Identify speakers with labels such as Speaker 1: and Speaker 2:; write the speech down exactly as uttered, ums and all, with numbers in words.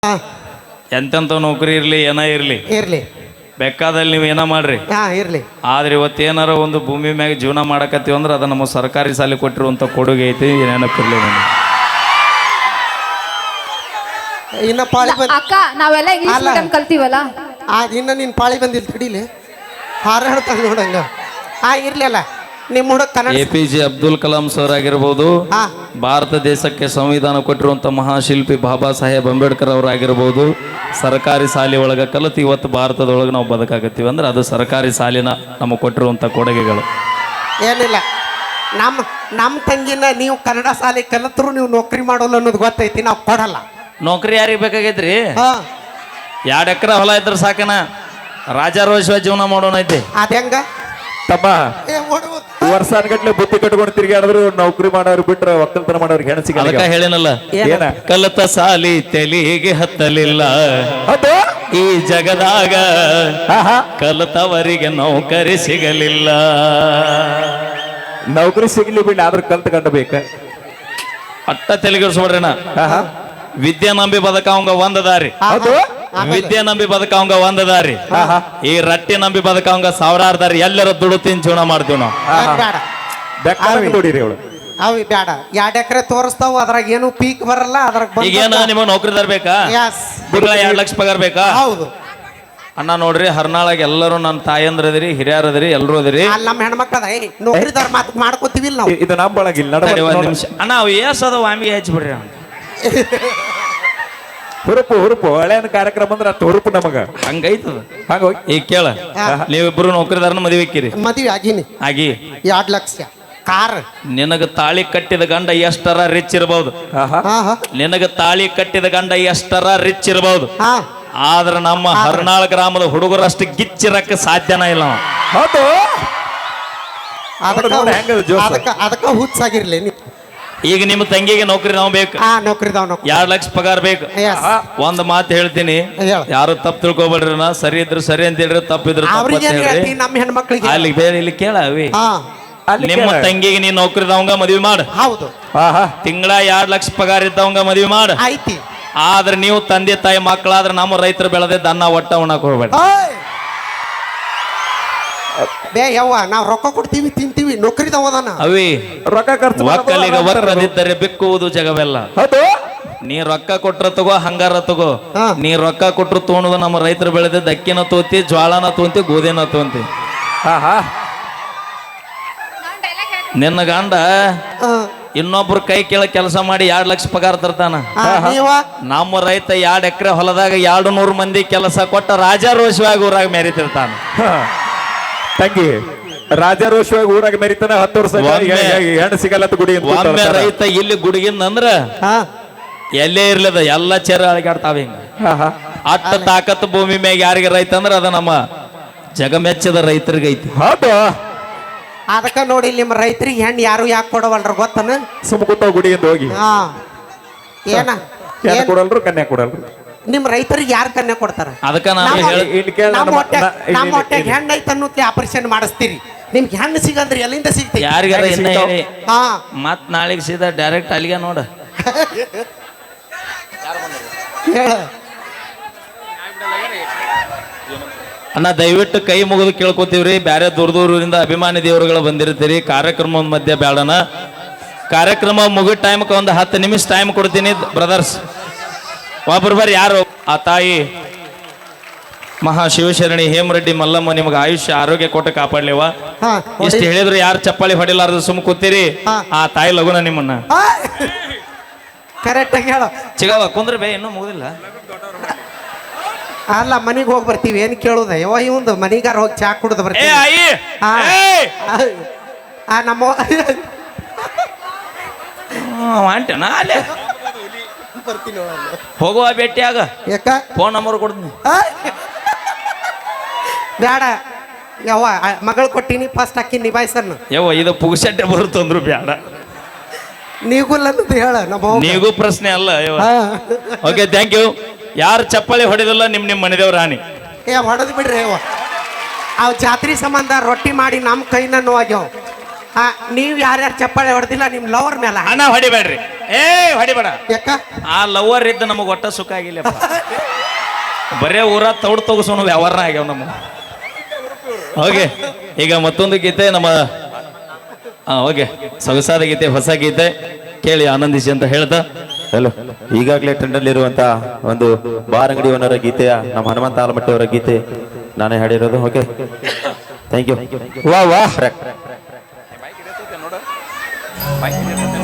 Speaker 1: ಹಾ
Speaker 2: ಎಂತೆಂಥ ನೌಕರಿ ಇರಲಿ ಏನ ಇರಲಿ
Speaker 1: ಇರ್ಲಿ
Speaker 2: ಬೇಕಾದಲ್ಲಿ ನೀವು ಏನ ಮಾಡ್ರಿ.
Speaker 1: ಹಾ ಇರ್ಲಿ.
Speaker 2: ಆದ್ರೆ ಇವತ್ತು ಏನಾರ ಒಂದು ಭೂಮಿ ಮ್ಯಾಗ ಜೀವನ ಮಾಡಕತ್ತೀವಿ ಅಂದ್ರೆ ಅದು ನಮ್ಮ ಸರ್ಕಾರಿ ಶಾಲೆ ಕೊಟ್ಟಿರುವಂಥ ಕೊಡುಗೆ ಐತಿ, ನೆನಪಿರ್ಲಿ ನನಗೆ.
Speaker 1: ಇನ್ನ ಪಾಳಿ ಬಂದ್
Speaker 3: ಅಕ್ಕ ನಾವೆಲ್ಲ ಇಂಗ್ಲಿಷ್
Speaker 1: ಅಲ್ಲ.
Speaker 3: ಮೀಡಿಯಂ ಕಲ್ತೀವಲ್ಲ.
Speaker 1: ಆ ಇನ್ನ ನಿನ್ ಪಾಳಿ ಬಂದಿಲ್ಲ ತಡಿಲಿ ಹಾರಾಡ್ತಾನೆ ನೋಡಂಗ. ಹಾ ಇರ್ಲಿ ಅಲ್ಲ ನಿಮ್ಮ ಹುಡುಗ Kannada.
Speaker 2: A P J Abdul Kalam sir ಆಗಿರ್ಬೋದು,
Speaker 1: ಹಾ
Speaker 2: ಭಾರತ ದೇಶಕ್ಕೆ ಸಂವಿಧಾನ ಕೊಟ್ಟಿರುವಂಥ ಮಹಾಶಿಲ್ಪಿ ಬಾಬಾ ಸಾಹೇಬ್ ಅಂಬೇಡ್ಕರ್ ಅವರಾಗಿರ್ಬೋದು, ಸರ್ಕಾರಿ ಶಾಲೆ ಒಳಗೆ ಕಲಿತು ಇವತ್ತು ಭಾರತದೊಳಗೆ ನಾವು ಬದುಕಾಗತ್ತೀವಿ ಅಂದ್ರೆ ಅದು ಸರ್ಕಾರಿ ಶಾಲಿನ ನಮಗೆ ಕೊಟ್ಟಿರುವಂಥ ಕೊಡುಗೆಗಳು.
Speaker 1: ಏನಿಲ್ಲ ನಮ್ಮ ನಮ್ಮ ತಂಗಿನ ನೀವು ಕನ್ನಡ ಶಾಲೆ ಕಲಿತರು ನೀವು ನೌಕರಿ ಮಾಡೋಲ್ಲ ಅನ್ನೋದು ಗೊತ್ತೈತಿ, ನಾವು ಕೊಡಲ್ಲ.
Speaker 2: ನೌಕರಿ ಯಾರಿಗೆ ಬೇಕಾಗೈತ್ರಿ?
Speaker 1: ಹಾ
Speaker 2: ಎರಡು ಎಕರೆ ಹೊಲ ಇದ್ರೆ ಸಾಕನ, ರಾಜಾರೋಷ ಜೀವನ ಮಾಡೋಣ ಐತಿ.
Speaker 1: ಅದ ಹೆಂಗ
Speaker 4: ತಮ್ಮ
Speaker 1: ಏ ಓಡುವ
Speaker 4: ವರ್ಷಾನ್ಗಟ್ಲೆ ಬುತ್ತಿ ಕಟ್ಕೊಂಡು ತಿರ್ಗಾಡಿದ್ರು ನೌಕರಿ ಮಾಡೋರು ಬಿಟ್ರೆ ಒಕ್ಕಲ್ತನ ಮಾಡೋರು ಹೆಣ ಸಿಗಲ್ಲ.
Speaker 2: ಅದಕ್ಕ ಹೇಳಿನಲ್ಲ,
Speaker 4: ಏನ
Speaker 2: ಕಲಿತ ಸಾಲಿ ತೆಲಿಗೆ ಹತ್ತಲಿಲ್ಲ
Speaker 4: ಅದು
Speaker 2: ಈ ಜಗದಾಗ,
Speaker 4: ಆಹಾ
Speaker 2: ಕಲಿತವರಿಗೆ ನೌಕರಿ ಸಿಗಲಿಲ್ಲ.
Speaker 4: ನೌಕರಿ ಸಿಗ್ಲಿ ಬಿಡ್ಲಿ ಆದ್ರೂ ಕಲ್ತ್ ಕಂಡ ಬೇಕ.
Speaker 2: ಅಟ್ಟ ತೆಲಿಗಿರ್ಸ್ಬಿಡ್ರಿನ.
Speaker 4: ಆಹಾ
Speaker 2: ವಿದ್ಯೆ ನಂಬಿ ಬದುಕವಂಗ ಒಂದ ದಾರಿ,
Speaker 4: ಅದು
Speaker 2: ವಿದ್ಯೆ ನಂಬಿ ಬದುಕವಂಗ ಒಂದ ದಾರಿ,
Speaker 4: ಆಹಾ
Speaker 2: ಈ ರಟ್ಟಿ ನಂಬಿ ಬದುಕವಂಗ ಸಾವಿರಾರು ದಾರಿ. ಎಲ್ಲರ ದುಡ್ಡು ತಿನ್ ಜೀವನ ಮಾಡ್ತೀವಿ ನಾವು.
Speaker 4: ಆಹಾ
Speaker 1: ಬೇಡ
Speaker 4: ಬೆಕ್ಕ ನೋಡಿರಿ ಅವಳು.
Speaker 1: ಅವಿ ಬೇಡ. ಎರಡು ಎಕರೆ ತೋರಿಸ್ತಾವ, ಅದ್ರಾಗ ಏನು ಪೀಕ್ ಬರಲ್ಲ. ಅದ್ರಾಗ
Speaker 2: ಈಗೇನ ನಿಮಗೆ ನೌಕರಿದಾರ ಬೇಕಾ?
Speaker 1: ಯಸ್
Speaker 2: ತಿಂಗಳ ಎರಡ್ ಲಕ್ಷ ಪಗಾರ ಬೇಕಾ?
Speaker 1: ಹೌದು.
Speaker 2: ಅಣ್ಣ ನೋಡ್ರಿ, ಹರ್ನಾಳಾಗ ಎಲ್ಲರೂ ನನ್ನ ತಾಯಂದ್ರ ಅದಿರಿ, ಹಿರಿಯರ್ ಅದಿರಿ, ಎಲ್ಲರೂ ಅದಿರಿ.
Speaker 1: ಅಲ್ಲಿ ನಮ್ಮ ಹೆಣ್ಮಕ್ಳದ ನೌಕರಿದಾರ ಮಾತು ಮಾಡ್ಕೋತೀವಿಲ್ಲ ನಾವು.
Speaker 4: ಇದು ನಮ್ಮ ಬಳಗಿಲ್ಲ
Speaker 2: ತಡಿ ಒಂದ್ ನಿಮಿಷ ಅಣ್ಣ, ಅವು ಏಸ್ ಅದಾವ ಆಮಿಗೆ ಹಚ್ಚಿಬಿಡ್ರಿ ಅಣ್ಣ.
Speaker 4: ಹುರುಪು ಹುರುಪು ಹಳೆಯ ಕಾರ್ಯಕ್ರಮ ಅಂದ್ರೆ ಅಷ್ಟು ಹುರುಪು ನಮಗ
Speaker 2: ಹಂಗೈತದ.
Speaker 4: ಹಂಗ ಹೋಗಿ
Speaker 2: ಈಗ ಕೇಳ, ನೀವಿಬ್ರು ನೌಕರಿದಾರನ ಮದುವೆ ಹಾಕಿರಿ,
Speaker 1: ಮದುವೆ ಆಗಿನಿ.
Speaker 2: ಆಗಿ
Speaker 1: ಎರಡು ಲಕ್ಷ ಕಾರ್.
Speaker 2: ನಿನಗ ತಾಳಿ ಕಟ್ಟಿದ ಗಂಡ ಎಷ್ಟರ ರಿಚ್ ಇರಬಹುದು,
Speaker 4: ಆಹಾ
Speaker 1: ಹಾ ಹಾ
Speaker 2: ನಿನಗ ತಾಳಿ ಕಟ್ಟಿದ ಗಂಡ ಎಷ್ಟರ ರಿಚ್ ಇರಬಹುದು,
Speaker 1: ಹಾ
Speaker 2: ಆದ್ರ ನಮ್ಮ ಹರ್ನಾಳ್ ಗ್ರಾಮದ ಹುಡುಗರಷ್ಟು ಗಿಚ್ಚಿರಕ್ಕೆ ಸಾಧ್ಯನ ಇಲ್ಲ ನಾವು.
Speaker 4: ಹೌದು
Speaker 1: ಅದಕ್ಕ
Speaker 4: ನೋಡು ಹೆಂಗದ ಜೋಶ.
Speaker 1: ಅದಕ್ಕ ಅದಕ್ಕ ಹುಚ್ಚಾಗಿರ್ಲಿ ನೀ.
Speaker 2: ಈಗ ನಿಮ್ಮ ತಂಗಿಗೆ ನೌಕರಿ ನಾವು ಬೇಕು,
Speaker 1: ಹಾ ನೌಕರಿದಾವ್ ನೌಕರಿ.
Speaker 2: ಎರಡ್ ಲಕ್ಷ ಪಗಾರ ಬೇಕು.
Speaker 1: ಎಸ್
Speaker 2: ಒಂದ್ ಮಾತು ಹೇಳ್ತೀನಿ,
Speaker 1: ಹೇಳ.
Speaker 2: ಯಾರು ತಪ್ಪು ತಿಳ್ಕೊಬೇಡ್ರಿ. ನಾ ಸರಿ ಇದ್ರು ಸರಿ ಅಂತ ಹೇಳ್ರಿ, ತಪ್ಪಿದ್ರು ತಪ್ಪು
Speaker 1: ಅವ್ರಿಗೆ
Speaker 2: ಅಂತ
Speaker 1: ಏನ್
Speaker 2: ಹೇಳ್ರಿ.
Speaker 1: ಹೇಳ್ತಿ ನಮ್ಮ ಹೆಣ್ಮಕ್ಳಿಗೆ?
Speaker 2: ಅಲ್ಲಿ ಬೇರೆ ಇಲ್ಲಿ ಕೇಳ ಅವಿ,
Speaker 1: ಹಾ
Speaker 4: ಅಲ್ಲಿ
Speaker 2: ನಿಮ್ಮ
Speaker 4: ಕೇಳ.
Speaker 2: ತಂಗಿಗೆ ನೀನ್ ನೌಕರಿದವಂಗ ಮದ್ವಿ ಮಾಡು,
Speaker 1: ಹೌದು
Speaker 4: ಆಹಾ
Speaker 2: ತಿಂಗಳ ಎರಡ್ ಲಕ್ಷ ಪಗಾರ ಇದ್ದವಂಗ ಮದ್ವಿ ಮಾಡು.
Speaker 1: ಐತಿ.
Speaker 2: ಆದ್ರೆ ನೀವು ತಂದೆ ತಾಯಿ ಮಕ್ಕಳಾದ್ರೆ ನಮ್ಮ ರೈತರು ಬೆಳೆದ ಅನ್ನ ಒಟ್ಟ ಉಣ್ಣಕ್ ಹೋಗ್ಬೇಡ.
Speaker 1: ಓಯ್! ಬೇ ಯವ್ವ ನಾವ್ ರೊಕ್ಕ ಕೊಡ್ತೀವಿ ತಿಂತೀವಿ, ನೌಕರಿದಾವ ಅದಾನ.
Speaker 2: ಅವಿ
Speaker 4: ರೊಕ್ಕ ಖರ್ಚು
Speaker 2: ಒಕ್ಕಲಿಗ
Speaker 4: ಮಾಡೋದು
Speaker 2: ಒಕ್ಕದಿದ್ದರೆ ಬಿಕ್ಕುವುದು ಜಗವೆಲ್ಲ.
Speaker 4: ಹೌದು
Speaker 2: ನೀ ರೊಕ್ಕ ಕೊಟ್ರ ತಗೋ, ಹಂಗಾರ ತಗೋ.
Speaker 1: ಹಾ.
Speaker 2: ನೀ ರೊಕ್ಕ ಕೊಟ್ರು ತೊಗೊಳೋದು ನಮ್ಮ ರೈತರು ಬೆಳೆದ ಅಕ್ಕಿನ ತೋತಿ, ಜ್ವಾಳನ ತೋಂತಿ, ಗೋಧಿನ ತೋಂತಿ.
Speaker 4: ಆಹಾ
Speaker 2: ನಿನ್ನ ಗಂಡ
Speaker 1: ಹಾ.
Speaker 2: ಇನ್ನೊಬ್ರು ಕೈ ಕೆಳ ಕೆಲಸ ಮಾಡಿ ಎರಡ್ ಲಕ್ಷ ಪಗಾರ ತರ್ತಾನ.
Speaker 1: ಹಾ, ನೀವ
Speaker 2: ನಮ್ಮ ರೈತ ಎರಡ್ ಎಕರೆ ಹೊಲದಾಗ ಎರಡು ನೂರು ಮಂದಿ ಕೆಲಸ ಕೊಟ್ಟ ರಾಜಾರೋಷವಾಗಿ ಊರಾಗ ಮೆರಿತಿರ್ತಾನ.
Speaker 4: ಹಾ. ತಂಗಿ ರಾಜಾರೋಷವಾಗಿ ಊರಾಗ ಮೆರಿತಾನ. ಹತ್ತು ವರ್ಷ
Speaker 2: ಒಮ್ಮೆ-
Speaker 4: ಹೆಣ್ಣು ಸಿಗಲ್ಲ ಅಂತ ಗುಡಿ ಅಂತ
Speaker 2: ಒಮ್ಮೆ
Speaker 4: ಕೂತಾಡ್ತಾರ.
Speaker 2: ರೈತ ಇಲ್ಲಿ ಗುಡುಗಿಂದ ಅಂದ್ರ
Speaker 1: ಹಾ
Speaker 2: ಎಲ್ಲೇ ಇರ್ಲದ ಎಲ್ಲ ಚೆರ ಅಳಗಾಡ್ತಾವ. ಹಿಂಗ
Speaker 4: ಆಹಾ
Speaker 2: ಅಟ್ಟ ತಾಕತ್ ಭೂಮಿ ಮ್ಯಾಗ ಯಾರಿಗೆ ರೈತ ಅಂದ್ರ ಅದ ನಮ್ಮ ಜಗಮೆಚ್ಚದ ರೈತರಿಗೆ ಐತಿ.
Speaker 4: ಹೌದು
Speaker 1: ಅದಕ್ಕ ನೋಡಿ ನಿಮ್ಮ ರೈತರಿಗೆ ಹೆಣ್ಣು ಯಾರು ಯಾಕೆ ಕೊಡವಲ್ರ ಗೊತ್ತನ?
Speaker 4: ಸುಮ್ಮ ಕೂತಾವ ಗುಡಿಯಿಂದ ಹೋಗಿ
Speaker 1: ಹಾ ಏನ
Speaker 4: ಹೆಣ್ಣು
Speaker 1: ಏನ್
Speaker 4: ಕೊಡಲ್ರು ಕನ್ಯಾ ಕೊಡಲ್ರು.
Speaker 1: ನಿಮ್ ರೈತರಿಗೆ ಯಾರು ಕನ್ಯಾ ಕೊಡ್ತಾರ?
Speaker 2: ಅದಕ್ಕ ನಾನು
Speaker 1: ನಮ್ಮ-
Speaker 2: ಹೇಳ
Speaker 4: ಇಲ್ಲಿ ಕೇಳ
Speaker 1: ನಮ್ಮ
Speaker 4: ನಮ್ಮ-
Speaker 1: ಹೊಟ್ಟೆ
Speaker 4: ನಾ- ಇಲ್ಲಿ-
Speaker 1: ನಮ್ಮ ಹೊಟ್ಟೆಗೆ
Speaker 4: ಇಲ್ಲಿ-
Speaker 1: ಹೆಣ್ಣು ಐತೆ ಅನ್ನೋತ್ಲೆ ಆಪರೇಷನ್ ಮಾಡಿಸ್ತೀರಿ. ನಿಮ್ಗೆ ಹೆಣ್ಣು ಸಿಗಂದ್ರೆ ಎಲ್ಲಿಂದ ಸಿಗ್ತೈತಿ?
Speaker 2: ಯಾರಿಗಾರ
Speaker 4: ಹೆಂಗ್
Speaker 2: ಇನ್ನ
Speaker 4: ಸಿಗ್ತಾವ್?
Speaker 2: ಹೇಳಿ
Speaker 1: ಹಾ
Speaker 2: ಮತ್ ನಾಳೆಗೆ ಸೀದಾ ಡೈರೆಕ್ಟ್ ಅಲ್ಲಿಗೆ ನೋಡ.
Speaker 1: ಹೇಳ.
Speaker 2: ಅಣ್ಣ ದಯವಿಟ್ಟು ಕೈ ಮುಗಿದು ಕೇಳ್ಕೊತೀವ್ರಿ. ಬ್ಯಾರೆ ದೂರ ದೂರದಿಂದ ಅಭಿಮಾನಿ ದೇವರುಗಳು ಬಂದಿರ್ತೀರಿ. ಕಾರ್ಯಕ್ರಮದ ಮಧ್ಯೆ ಬೇಡಣ. ಕಾರ್ಯಕ್ರಮ ಮುಗಿದ ಟೈಮ್ಗೆ ಒಂದು ಹತ್ತು ನಿಮಿಷ ಟೈಮ್ ಕೊಡ್ತೀನಿ ಬ್ರದರ್ಸ್. ಒಬ್ಬರು ಬರ್ರಿ. ಯಾರು ಆ ತಾಯಿ ಮಹಾ ಶಿವಶರಣಿ ಹೇಮರೆಡ್ಡಿ ಮಲ್ಲಮ್ಮ ನಿಮ್ಗೆ ಆಯುಷ್ಯ ಆರೋಗ್ಯ ಕೊಟ್ಟು ಕಾಪಾಡ್ಲಿವ.
Speaker 1: ಹಾ
Speaker 2: ಇಷ್ಟು ಹೇಳಿದ್ರು ಯಾರು ಚಪ್ಪಾಳಿ ಹೊಡಿಲಾರ್ದು ಸುಮ್ ಕೂತೀರಿ.
Speaker 1: ಹಾ.
Speaker 2: ಆ ತಾಯಿ ಲಗುನ ನಿಮ್ಮನ್ನ
Speaker 1: ಕರೆಕ್ಟ್ ಆಗಿ ಹೇಳ.
Speaker 2: ಚಿಗವ ಕುಂದ್ರ ಬೇ, ಇನ್ನೂ ಮುಗುದಿಲ್ಲ.
Speaker 1: ಅಲ್ಲ ಮನಿಗೆ ಹೋಗಿ ಬರ್ತೀವಿ ಏನ್ ಕೇಳುದ? ಯಾವ ಇವಂದು ಮನಿಗಾರ ಹೋಗಿ ಚಾ ಕುಡ್ದು
Speaker 2: ಏ
Speaker 1: ಬರ್ತೀವಿ.
Speaker 2: ಆಯಿ
Speaker 1: ಹಾ.
Speaker 2: ಏಯ್!
Speaker 1: ಆ ನಮ್ಮ
Speaker 2: ಹ್ಮ್, ಹೊಂಟೆನಾ ಅಲ್ಲೇ
Speaker 1: ಬರ್ತೀನಿ
Speaker 2: ಹೋಗುವ ಭೇಟಿಯಾಗ
Speaker 1: ಯಾಕ
Speaker 2: ಫೋನ್ ನಂಬರ್ ಕೊಡ್ತೀನಿ.
Speaker 1: ಆ? ಬೇಡ ಯವ್ವ ಮಗಳು ಕೊಟ್ಟಿನಿ ಫಸ್ಟ್ ಅಕ್ಕಿ ನಿಭಾಯಿಸನ್ನು.
Speaker 2: ಯವ್ವ ಇದು ಪುಗ್ಸಟ್ಟೆ ಬರುತ್ತಂದ್ರು ಬೇಡ.
Speaker 1: ನೀಗುಲ್ಲ ಅನ್ನೋದು ಹೇಳ ನಮ್ಮ ಅವ್ವ.
Speaker 2: ನೀಗೂ ಪ್ರಶ್ನೆ ಅಲ್ಲ.
Speaker 1: ಹಾ.
Speaker 2: Okay, thank you. ಯಾರು ಚಪ್ಪಾಳಿ ಹೊಡೆದಿಲ್ಲ ನಿಮ್ ನಿಮ್ ಮನೆದೇವ್ರ ರಾಣಿ.
Speaker 1: ಏ ಹೊಡೆದು ಬಿಡ್ರಿ ಯವ್ವ. ಅವ್ ಜಾತ್ರೆ ಸಂಬಂಧ ರೊಟ್ಟಿ ಮಾಡಿ ನಮ್ಮ ಕೈನ ನೋವಾಗ್ಯಾವ. ಹಾ ನೀವ್ ಯಾರ್ಯಾರು ಚಪ್ಪಾಳೆ ಹೊಡೆದಿಲ್ಲ ನಿಮ್ ಲವರ್ ಮೇಲ
Speaker 2: ಅಣ್ಣ ಹೊಡಿಬೇಡ್ರಿ ಏ ಹೊಡಿಬೇಡ
Speaker 1: ಯಾಕ
Speaker 2: ಆ ಲವರ್ ಇದ್ದ ನಮಗ್ ಒಟ್ಟ ಸುಖ ಆಗಿಲ್ಲಪ್ಪ ಬರೇ ಊರ ತೌಡ್ ತಗಸೋಣ ವ್ಯವಹಾರ ಆಗ್ಯಾವ ನಮ್ಮ. ಓಕೆ ಈಗ ಮತ್ತೊಂದು ಗೀತೆ ನಮ್ಮ ಹಾ ಓಕೆ ಸೊಗಸಾದ ಗೀತೆ ಹೊಸ ಗೀತೆ ಕೇಳಿ ಆನಂದಿಸಿ ಅಂತ ಹೇಳ್ತಾ
Speaker 4: ಹಲೋ ಈಗಾಗಲೇ ಟ್ರೆಂಡ್ ಅಲ್ಲಿ ಇರುವಂತ ಒಂದು ಬಾರ್ ಅಂಗಡಿ ಓನರ ಗೀತೆಯ ನಮ್ಮ ಹನುಮಂತ ಆಲಮಟ್ಟಿ ಅವರ ಗೀತೆ ನಾನೇ ಹಾಡಿರೋದು. Okay thank you. ವಾ ವಾ